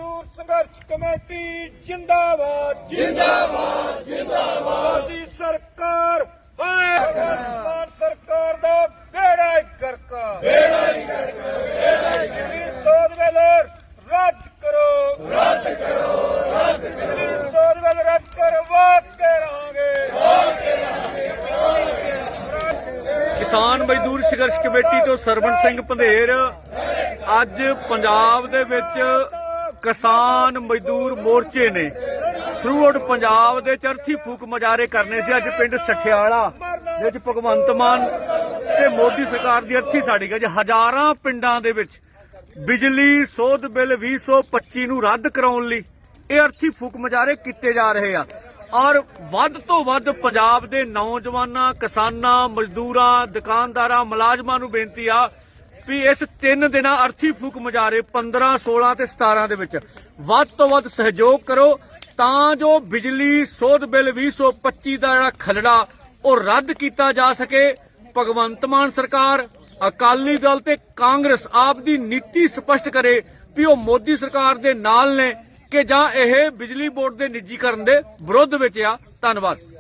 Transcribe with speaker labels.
Speaker 1: मजदूर संघर्ष कमेटी जिंदाबाद जिंदाबाद जिंदाबाद मोदी सरकार हाय भगवंत सरकार दा बेड़ा ही करका सोध वेलर रद्द करो सोध वेलर रद्द करो वाद के रहांगे
Speaker 2: किसान मजदूर संघर्ष कमेटी तो सरवण सिंह पंधेर ਅੱਜ ਪੰਜਾਬ ਦੇ ਵਿੱਚ ਕਿਸਾਨ ਮਜ਼ਦੂਰ ਮੋਰਚੇ ਨੇ ਥਰੂ ਆਊਟ ਪੰਜਾਬ ਦੇ ਚਰਥੀ ਫੂਕ ਮੁਜ਼ਾਹਰੇ ਕਰਨੇ ਸੀ। ਅੱਜ ਪਿੰਡ ਸਠਿਆਲਾ ਦੇ ਵਿੱਚ ਭਗਵੰਤ ਮਾਨ ਤੇ ਮੋਦੀ ਸਰਕਾਰ ਦੀ ਅਰਥੀ ਸਾੜੀ ਗਈ। ਹਜ਼ਾਰਾਂ ਪਿੰਡਾਂ ਦੇ ਵਿੱਚ ਬਿਜਲੀ ਸੋਧ ਬਿੱਲ 2025 ਨੂੰ ਰੱਦ ਕਰਾਉਣ ਲਈ ਇਹ ਅਰਥੀ ਫੂਕ ਮੁਜ਼ਾਹਰੇ ਕੀਤੇ ਜਾ ਰਹੇ ਆ ਔਰ ਵੱਧ ਤੋਂ ਵੱਧ ਪੰਜਾਬ ਦੇ ਨੌਜਵਾਨਾਂ ਕਿਸਾਨਾਂ ਮਜ਼ਦੂਰਾਂ ਦੁਕਾਨਦਾਰਾਂ ਮੁਲਾਜ਼ਮਾਂ ਨੂੰ ਬੇਨਤੀ ਆ ਵੀ ਇਸ 3 ਦਿਨਾਂ ਅਰਥੀ ਫੂਕ ਮੁਜ਼ਾਹਰੇ 15, 16 ਤੇ 17 ਦੇ ਵਿੱਚ ਵੱਧ ਤੋਂ ਵੱਧ ਸਹਿਯੋਗ ਕਰੋ ਤਾਂ ਜੋ ਬਿਜਲੀ ਸੋਧ ਬਿੱਲ 2025 ਦਾ ਜਿਹੜਾ ਖਲੜਾ ਉਹ ਰੱਦ ਕੀਤਾ ਜਾ ਸਕੇ। ਭਗਵੰਤ ਮਾਨ ਸਰਕਾਰ ਅਕਾਲੀ ਦਲ ਤੇ ਕਾਂਗਰਸ ਆਪ ਦੀ ਨੀਤੀ ਸਪਸ਼ਟ ਕਰੇ ਵੀ ਉਹ ਮੋਦੀ ਸਰਕਾਰ ਦੇ ਨਾਲ ਨੇ ਕਿ ਜਾਂ ਇਹ ਬਿਜਲੀ ਬੋਰਡ ਦੇ ਨਿੱਜੀਕਰਨ ਦੇ ਵਿਰੁੱਧ ਵਿੱਚ ਆ। ਧੰਨਵਾਦ।